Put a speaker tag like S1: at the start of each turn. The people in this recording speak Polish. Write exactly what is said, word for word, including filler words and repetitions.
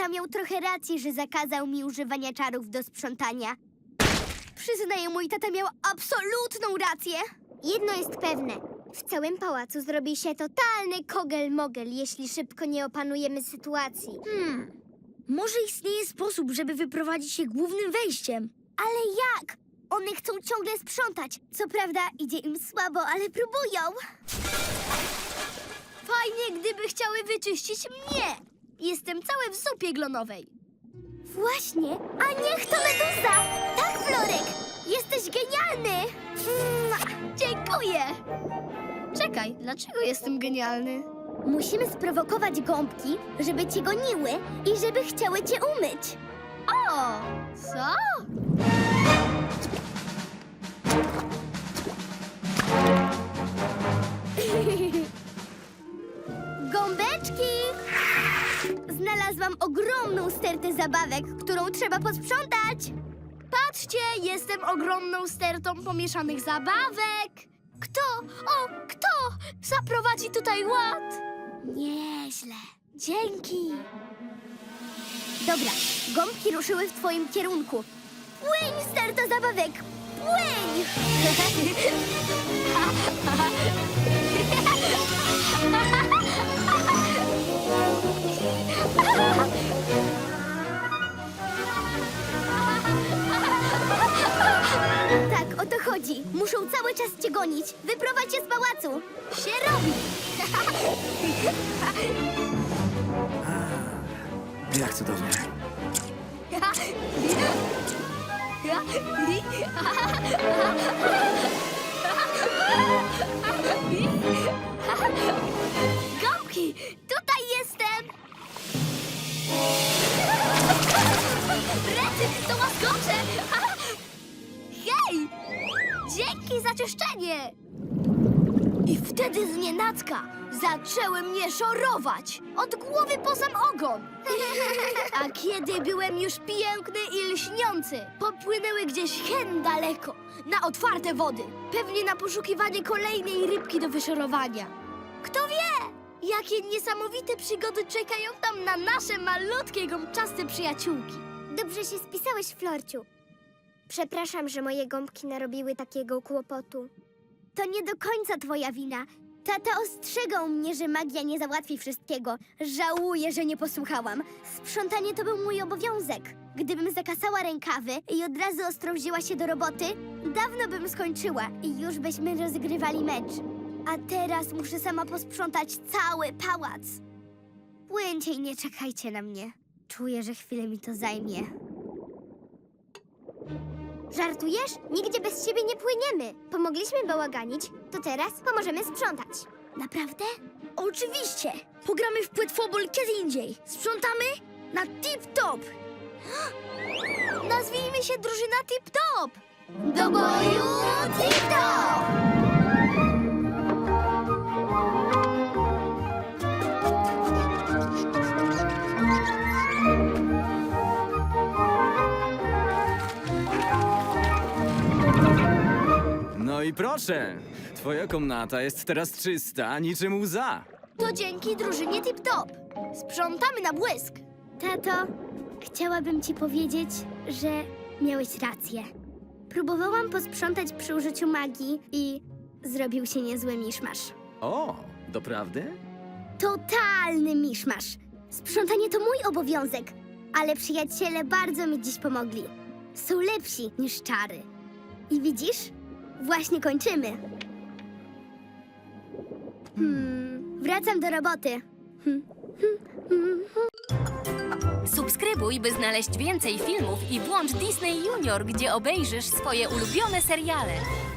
S1: tata miał trochę racji, że zakazał mi używania czarów do sprzątania. Przyznaję, mój tata miał absolutną rację. Jedno jest pewne. W całym pałacu zrobi się totalny kogel-mogel, jeśli szybko nie opanujemy sytuacji.
S2: Hmm, może istnieje sposób, żeby wyprowadzić je głównym wejściem.
S1: Ale jak? One chcą ciągle sprzątać. Co prawda idzie im słabo, ale próbują.
S2: Fajnie, gdyby chciały wyczyścić mnie. Jestem cały w zupie glonowej.
S1: Właśnie, a niech to meduza! Tak, Florek! Jesteś genialny! Mm,
S2: Dziękuję. Czekaj, dlaczego jestem genialny?
S1: Musimy sprowokować gąbki, żeby cię goniły i żeby chciały cię umyć.
S2: O, co?
S1: Gąbeczki! Znalazłam ogromną stertę zabawek, którą trzeba posprzątać.
S2: Patrzcie, jestem ogromną stertą pomieszanych zabawek. Kto, o, kto zaprowadzi tutaj ład?
S1: Nieźle.
S2: Dzięki.
S1: Dobra, gąbki ruszyły w twoim kierunku. Płyń, sterto zabawek! Płyń! Tak, o to chodzi. Muszą cały czas cię gonić. Wyprowadź się z pałacu.
S2: Się robi.
S3: Jak cudownie.
S2: Gąbki, tutaj jestem. Rety, to łaskocze. Hej, dzięki za czyszczenie. I wtedy znienacka zaczęły mnie szorować. Od głowy po sam ogon. A kiedy byłem już piękny i lśniący, popłynęły gdzieś hen daleko, na otwarte wody. Pewnie na poszukiwanie kolejnej rybki do wyszorowania. Kto wie, jakie niesamowite przygody czekają tam na nasze malutkie, gąbczaste przyjaciółki.
S1: Dobrze się spisałeś, Florciu. Przepraszam, że moje gąbki narobiły takiego kłopotu. To nie do końca twoja wina. Tata ostrzegał mnie, że magia nie załatwi wszystkiego. Żałuję, że nie posłuchałam. Sprzątanie to był mój obowiązek. Gdybym zakasała rękawy i od razu ostro wzięła się do roboty, dawno bym skończyła i już byśmy rozgrywali mecz. A teraz muszę sama posprzątać cały pałac. Płyńcie i nie czekajcie na mnie. Czuję, że chwilę mi to zajmie. Żartujesz? Nigdzie bez ciebie nie płyniemy. Pomogliśmy bałaganić, to teraz pomożemy sprzątać. Naprawdę?
S2: Oczywiście! Pogramy w płetwobol kiedy indziej. Sprzątamy na tip-top! Nazwijmy się drużyna tip-top!
S1: Do boju tip-top!
S3: No i proszę, twoja komnata jest teraz czysta, niczym łza.
S2: To dzięki drużynie tip-top. Sprzątamy na błysk.
S1: Tato, chciałabym ci powiedzieć, że miałeś rację. Próbowałam posprzątać przy użyciu magii i zrobił się niezły miszmasz.
S3: O, doprawdy?
S1: Totalny miszmasz. Sprzątanie to mój obowiązek, ale przyjaciele bardzo mi dziś pomogli. Są lepsi niż czary. I widzisz? Właśnie kończymy. Hmm, wracam do roboty. Hmm.
S4: Subskrybuj, by znaleźć więcej filmów i włącz Disney Junior, gdzie obejrzysz swoje ulubione seriale.